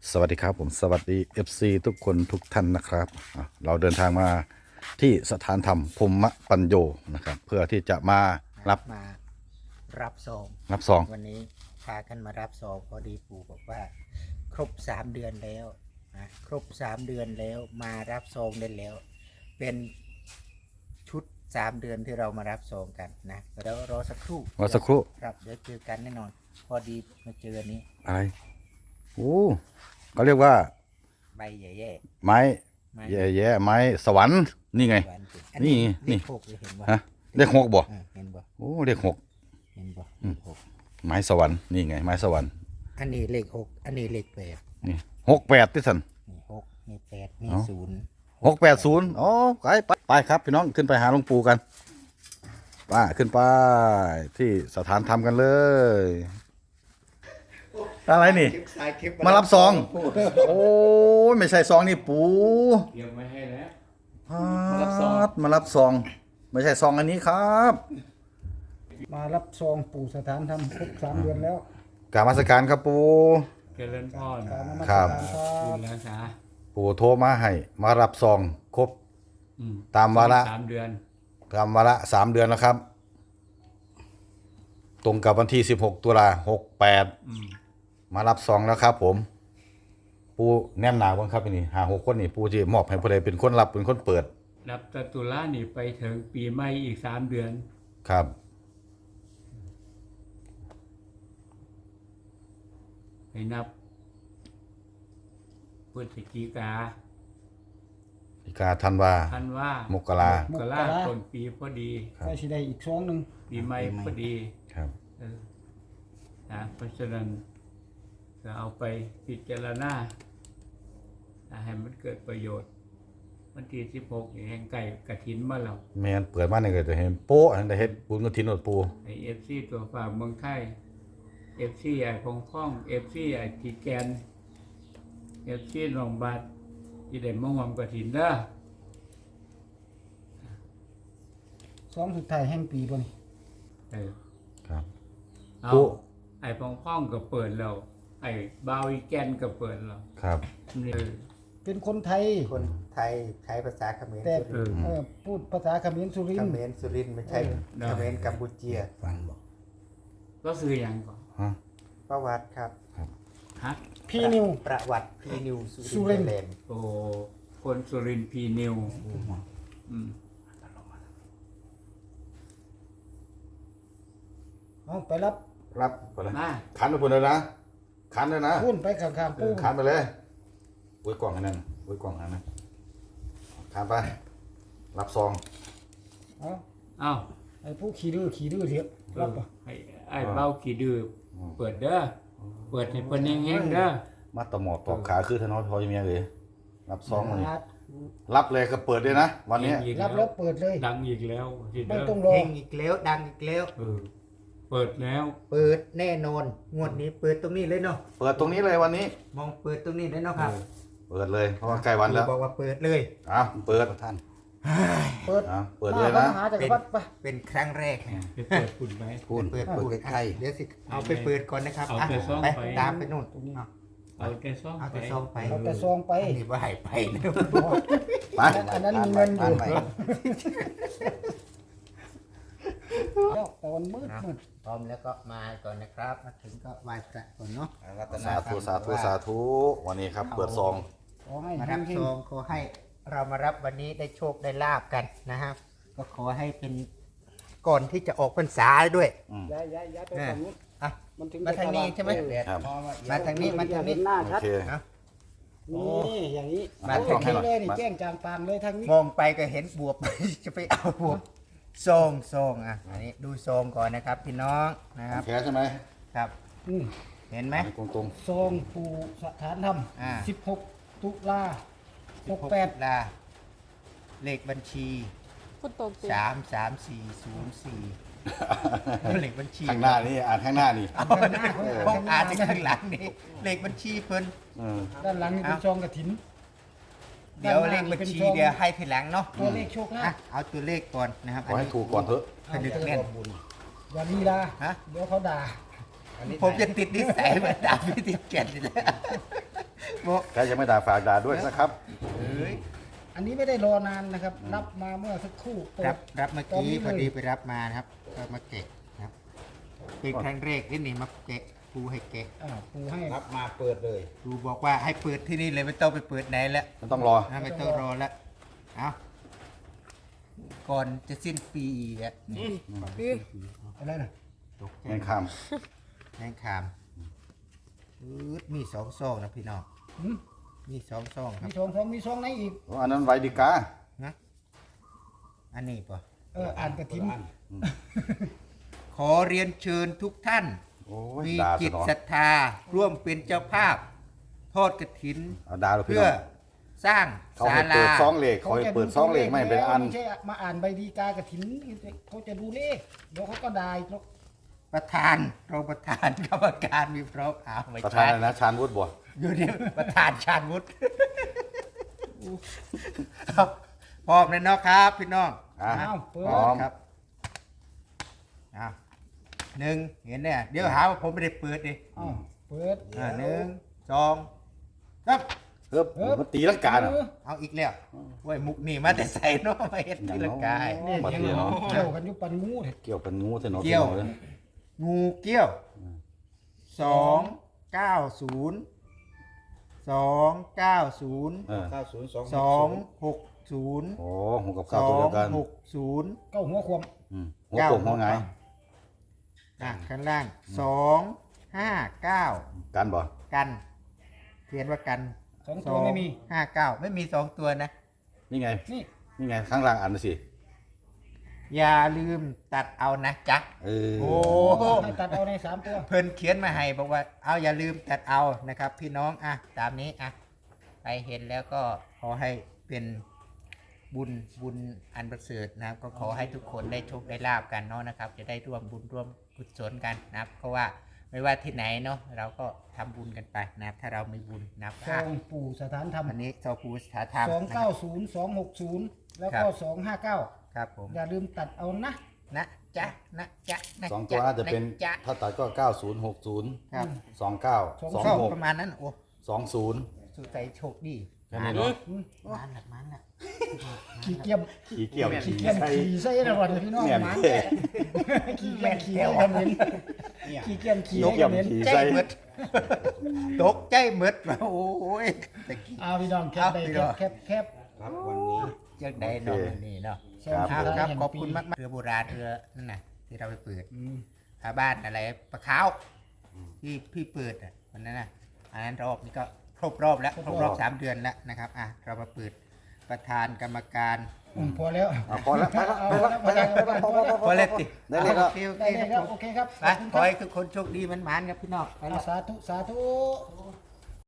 สวัสดีครับผมสวัสดี FC ทุกคนทุกท่านนะครับเราเดินทางมาที่สถานธรรมพรหมปัญโยนะครับเพื่อที่จะมารับซองรับซองวันนี้พากันมารับซองพอดีปู่บอกว่า ครบ3 เดือนแล้วนะครบ3 เดือนแล้วมารับซองได้แล้ว เป็นชุด3 เดือนที่เรามารับซองกันนะแล้วรอสักครู่ครับเดี๋ยวเจอกันแน่นอน พอดีมาเจอนี้อะไรโอ้เขาเรียกว่าใบใหญ่ไม้แย่ไม้สวรรค์นี่ไงนี่เลข 6เห็นบ่ฮะเลข6บ่เห็นบ่โอ้เลข6 เห็นบ่เลข 6 ไม้สวรรค์นี่ไงไม้สวรรค์อันนี้เลข 6อันนี้เลข 8 นี่68ที่สันนี่6นี่8นี่ 680อ๋อไปครับพี่น้องขึ้นไปหาหลวงปู่กันขึ้นไปที่สถานธรรมกันเลยอะไรนี่มารับซองโอ้ยไม่ใช่ซองนี่ปู่เตรียมไว้ให้แล้วมารับซองไม่ใช่ซองอันนี้ครับมารับซองปู่สถานธรรมครบ3 เดือนแล้วกราบนมัสการครับปู่เจริญพรครับคุณรักษาปู่โทรมาให้มารับซองครบตามวาระ 3 เดือนตามวาระ3 เดือนแล้วครับตรงกับวันที่16 ตุลา68มารับซองแล้วครับผมปู่แนมหนาบ้างครับนี่5-6 คนนี่ปู่จะมอบให้ผู้ใดเป็นคนรับเป็นคนเปิดรับตุลานี่ไปถึงปีใหม่อีก3 เดือนครับไปนับพฤศจิกาธันวามกราต้นปีพอดีก็สิได้อีกซองนึงปีใหม่พอดีครับเพราะฉะนั้นจะเอาไปพิจารณาให้มันเกิดประโยชน์วันที่16แห่งไก่กฐินมาแล้วแม่นเปิดมาเนี่ยก็จะเห็นโป๊ะได้เฮ็ดบุญกฐินอดปูไอ้ FC ตัวฝากเมืองไทย FC ไอ้พงพ่อง FC ไอ้จีแกน FC หนองบาดที่ได้มาร่วมกฐินเด้อซองสุดท้ายแห่งปีบ่นี่ครับเอาไอ้พงพ่องก็เปิดแล้วไอ้บาวอีแกนก็เปิดแล้วครับนี่เป็นคนไทยใช้ภาษาเขมรแต่พูดภาษาเขมรสุรินทร์ไม่ใช่เขมรกัมพูชีฟังบอกก็ซื้อยังก่อนประวัติครับฮะพี่นิวประวัติพี่นิวสุรินทร์โอ้คนสุรินทร์พี่นิวเอาไปรับไปเลยขันไปพุ่นเลยนะขันเลยนะพุ่นไปข้างๆปู่ขันไปเลยไว้กล่องให้นั่นไว้กล่องให้นั่นขันไปรับซองเอาไอ้ผู้ขี่ดื้อเถอะรับป่ะไอ้เบ้าขี่ดื้อเปิดเด้อเปิดให้เพิ่นแห้งๆเด้อมาตะหมอดตอกขาคือถนนพอจะมีอะไรรับซองวันนี้รับเลยก็เปิดเลยนะวันนี้รับแล้วเปิดเลยดังอีกแล้วไม่ต้องรอเฮงอีกแล้วดังอีกแล้วเปิดแล้วเปิดแน่นอนงวดนี้เปิดตรงนี้เลยเนาะเปิดตรงนี้เลยวันนี้มองเปิดตรงนี้เลยเนาะครับเปิดเลยเพราะว่าใกล้วันแล้วบอกว่าเปิดเลยเปิดท่านเปิดเลยนะเป็นครั้งแรกเปิดปุ่นไหมเปิดใกล้เดี๋ยวสิเอาไปเปิดก่อนนะครับไปตามไปนู่นเอาแต่ซองไปนี่ว่าหายไปอันนั้นมีเงินอยู่แต่วันมืดพร้อมแล้วก็มาก่อนนะครับมาถึงก็ไหว้พระก่อนเนาะสาธุวันนี้ครับเปิดซองมารับซองขอให้เรามารับวันนี้ได้โชคได้ลาบกันนะครับก็ขอให้เป็นก่อนที่จะออกพรรษาด้วยย้ายไปฝั่งนู้นมาทางนี้ใช่ไหมมาทางนี้หน้าชัดนี่อย่างนี้มาทางนี้เลยนี่แจ้งจางปางเลยทางนี้มองไปก็เห็นบวบจะไปเอาบวบซองอันนี้ดูซองก่อนนะครับพี่น้องนะครับแค่ใช่ไหมครับเห็นไหมตรงซองปู่สถานธรรม16 ตุลา68 เลขบัญชี33404เลขบัญชีข้างหน้านี่ข้างหน้านี่อ่านข้างหลังนี่เลขบัญชีเพิ่นด้านหลังนี่เป็นซองกฐินเดี๋ยวเลขบัญชีเดี๋ยวให้ทีหลังเนาะตัวเลขโชคลาภเอาตัวเลขก่อนนะครับขอให้ถูกก่อนเถอะผนึกแน่นอย่าลีลาเดี๋ยวเขาด่าผมจะติดนิสัยเหมือนด่าพี่ติดแก่นนี่แหละบอกใครยังไม่ด่าฝากด่าด้วยนะครับเอ้ยอันนี้ไม่ได้รอนานนะครับ รับมาเมื่อสักครู่เปิรับเมื่อตอนกี้นี้พอเลยดีไปรับมานะครับก็มาเกะนะครับเป็นครั้งแรกที่นี่มาเกะครูให้เกะปูให้รับมาเปิดเลยครูบอกว่าให้เปิดที่นี่เลยไม่ต้องไปเปิดไหนแล้วมันต้องรอไม่ต้องรอแล้วเอาก่อนจะสิ้นปีอีกอะนี่อะไรนะตกใจแมงคามแมงคามมีสองซองนะพี่น้องหืมมีสองซองครับมีซองไหนอีกอันนั้นไวดิกานะอันนี้ป่ะอ่านกระถิ่นขอเรียนเชิญทุกท่านโอ้ยมีด่าจิซะตหนอศรัทธาร่วมเป็นเจ้าภาพ ทอดกระถินเอาด่าเราพี่เพื่อน้องสร้างเขาศาให้ลาเปิดซองเหล็กเขาให้เปิดซองเหล็กไม่ให้เป็นอันไม่ใช่มาอ่านใบดีกากระถิ่นเขาจะดูเลขเดี๋ยวเขาก็ได้หรอกประธานรองประธานกรรมการมีพร้อมเอาไม่ประธานใช่อะไรนะชาญวุฒิบัวอยู่นี่ประธานชาญวุฒิครับพร้อมเลยเนาะครับพี่น้องอ่ะอ้าวเปิพร้อดมครับอ่ะหนึ่งเห็นเนี่ยเดี๋ยวหาว่าผมไม่ได้เปิดดิอ้าวเปิดหนึ่งสองครับเฮ้ยมันตีลังกาอ่ะเอาอีกแล้วเว้ยมุกนี่มาแต่ใส่เนาะมาเห็นที่ละกายนี่มายังเทียเเนาะกี่ยวกันอยุปันงูเนี่ยเกี่ยวเป็นงูเถอะเนาะเกี่ยวพี่น้องงูเกี้ยว290 290 เออ 260 โอ้หัวกับข้าวตัวเดียวกัน 260 เก้าหัวควมหัวโป่งหัวไงข้างล่าง259 กันบ่กันเขียนว่ากัน 2 ตัวไม่มี 59ไม่มี2ตัวนะนี่ไงนี่นี่ไงข้างล่างอ่านดูสิอย่าลืมตัดเอานะจ๊ะเออโอ้ให้ตัดเอาใน3ตัวเพิ่นเขียนมาให้บอกว่าเอาอย่าลืมตัดเอานะครับ พี่น้องตามนี้ไปเห็นแล้วก็ขอให้เป็นบุญอันประเสริฐนะครับ ก็ขอให้ทุกคนได้โชคได้ลาบกันเนาะนะครับ จะได้ร่วมบุญร่วมกุศลกันนะครับ เพราะว่าไม่ว่าที่ไหนเนาะเราก็ทำบุญกันไปนะครับ ถ้าเรามีบุญนะครับซองปู่สถานธรรมวันนี้เจ้าภูสถาธรรมนะครับ 290 260 แล้วก็ 259 ครับผมอย่าลืมตัดเอานะนะจ๊ะนะจ๊ะนะสองตัวน่าจะเป็นจ๊ะถ้าตัดก็9060 ครับ 29 ก็ 26 ประมาณนั้นโอ้ 20 สุดใจโชคดีแค่นี้เนาะมันละขี้เกียจขี่เกี่ยวขี้ขี่เกียจใส่ขี่ใส่นะวันพี่น้องเนี่ยหมันแก่ขี้เกียจขี่ให้กันเห็นขี้เกียจขี่ให้กันเห็นขี่ใจใส่หมดตกใจหมดว่าโอ้ยตะกี้เอาพี่น้องแคบได้เอาพี่น้องแคบครับวันนี้จังได้เนอนนี่เนาะซองครับสุดครัท้าบยแห่งขอบปีคุณมากๆเรือโบราณเรือนั่นน่ะที่เราไปเปิดอืมชาวบ้านอะไรปลาขาวที่พี่เปิดวันนั้นน่ะอันนั้นรอบนี้ก็ครบรอบแล้วครบรอบ3 เดือนแล้วนะครับเรามาเปิดประธานกรรมการพอแล้วพอแล้วไปแล้วเอาแล้วพอแล้วพอแล้วพอเล็ติได้เลยครับโอเคได้เลยครับโอเคครับไปขอให้ทุกคนโชคดีมันๆครับพี่น้องไปเอาแล้วสาธุ